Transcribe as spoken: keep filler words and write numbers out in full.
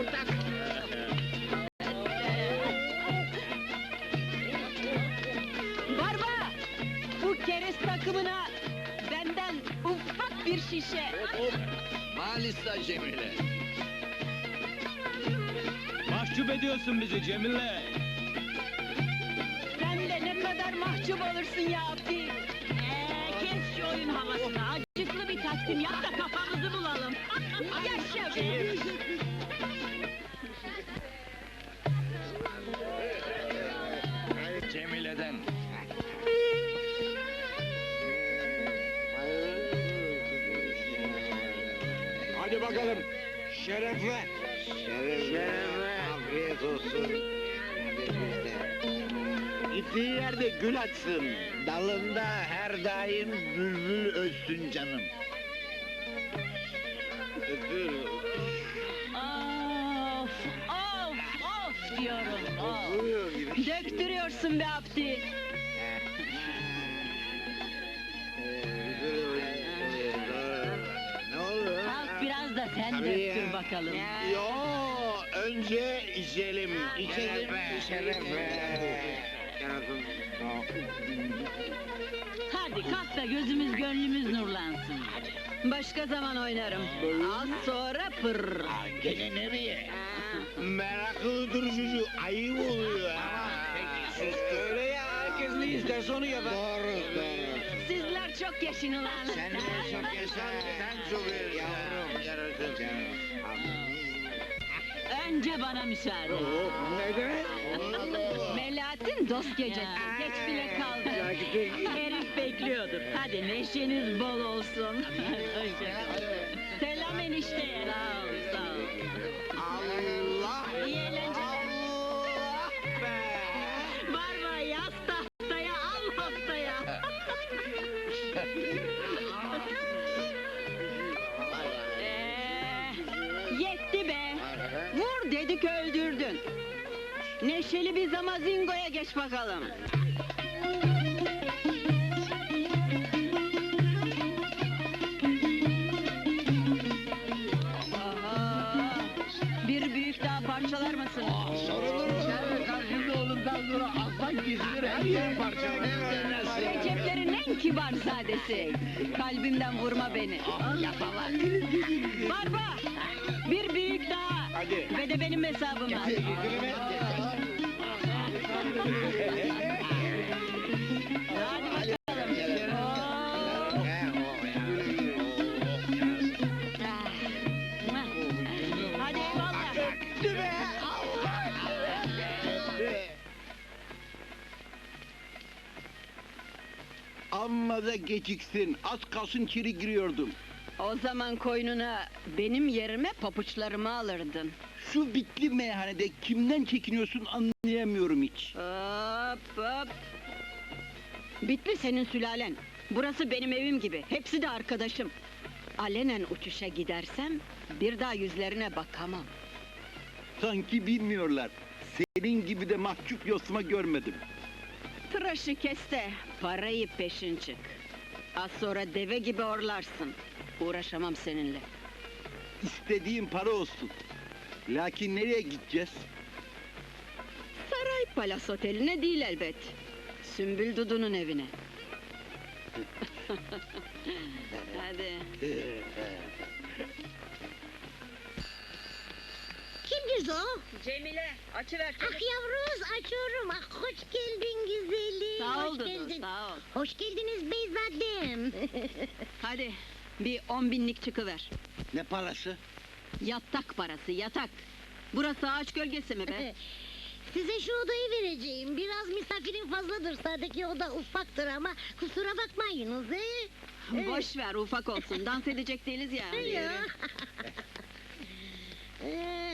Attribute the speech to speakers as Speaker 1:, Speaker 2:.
Speaker 1: ortak.
Speaker 2: Barba! Bu keriz takımına benden ufak bir şişe.
Speaker 1: Hop, Malisa Cemile.
Speaker 3: Mahcup ediyorsun bizi Cemile.
Speaker 2: Sen de ne kadar mahcup olursun ya Abdi. Ee, kes şu oyun havasını. Acıklı bir takdim yap da kafamızı bulalım. Yaşa be!
Speaker 1: Cemile'den.
Speaker 4: Hadi bakalım. Şerefle. Şerefle. Afiyet olsun. Gittiği yerde gül açsın. Dalında her daim bülbül ötsün canım. Öpür.
Speaker 2: Of, of, of diyorum, of.
Speaker 4: Buyur gibi.
Speaker 2: Döktürüyorsun be Abdi.
Speaker 4: Ne olur?
Speaker 2: Kalk biraz da sen
Speaker 4: Tabii
Speaker 2: döktür
Speaker 4: ya.
Speaker 2: bakalım.
Speaker 4: Yo, önce içelim, içelim, şerefe.
Speaker 2: Hadi kalk da gözümüz gönlümüz nurlansın. Başka zaman oynarım. Az sonra pır.
Speaker 4: Gene nereye? Meraklı durucu, ayıp oluyor ha. Peki, sus. Öyle ya, herkes ne isterse onu yapar. Doğru, doğru.
Speaker 2: Sizler çok yaşın ulan.
Speaker 4: Sen de çok yaşa, sen çok yaşa. Yavrum, yarasın.
Speaker 2: Önce bana müsaade.
Speaker 4: Ne demek?
Speaker 2: Melahat'in dost gecesi. Geç bile kaldı. Herif bekliyordur. Hadi neşeniz bol olsun. Selam enişteye. Sağ ol, sağ ol.
Speaker 4: Allah!
Speaker 2: İyi eğlenceler.
Speaker 4: Allah be!
Speaker 2: Barba yaz tahtaya, al haftaya. Ee, yetti be. Vur dedik öldürdün. Neşeli bir zamazingoya geç bakalım. Aha, bir büyük daha parçalar mısın?
Speaker 4: Sorulur mu? Sen karşımda oğlumdan sonra aslan kesilir, her yer parçalanır.
Speaker 2: Receplerin en kibar zadesi. Kalbimden vurma beni. Yapalak. Barba! Bir büyük daha.
Speaker 4: Hadi.
Speaker 2: Ve de benim hesabım var. Hadi bakalım. Oo. Hadi eyvallah.
Speaker 4: Öptü be! Allah! Amma da geciksin, az kalsın içeri giriyordum.
Speaker 2: O zaman koynuna benim yerime papuçlarımı alırdın.
Speaker 4: Şu bitli meyhanede kimden çekiniyorsun anlayamıyorum hiç.
Speaker 2: Hop hop. Bitli senin sülalen. Burası benim evim gibi. Hepsi de arkadaşım. Alenen uçuşa gidersem bir daha yüzlerine bakamam.
Speaker 4: Sanki bilmiyorlar. Senin gibi de mahcup yosma görmedim.
Speaker 2: Tıraşı kes de parayı peşin çık. Az sonra deve gibi orlarsın. Uğraşamam seninle.
Speaker 4: İstediğin para olsun. Lakin nereye gideceğiz?
Speaker 2: Saray Palas Oteli'ne değil elbet. Sümbül Dudu'nun evine. Hadi.
Speaker 5: Kimdir o?
Speaker 2: Cemile, açıver.
Speaker 5: Ah yavruz açıyorum. Ah hoş geldin güzelim.
Speaker 2: Sağ ol
Speaker 5: hoş
Speaker 2: Dudu,
Speaker 5: geldin.
Speaker 2: sağ ol.
Speaker 5: Hoş geldiniz beyzadem.
Speaker 2: Hadi, bir on binlik çıkıver.
Speaker 4: Ne parası?
Speaker 2: Yatak parası, yatak. Burası ağaç gölgesi mi be?
Speaker 5: Size şu odayı vereceğim. Biraz misafirin fazladır. Sadece oda ufaktır ama kusura bakmayınız. He?
Speaker 2: Boş ver, ufak olsun. Dans edecek değiliz ya.
Speaker 5: Ya. Ee,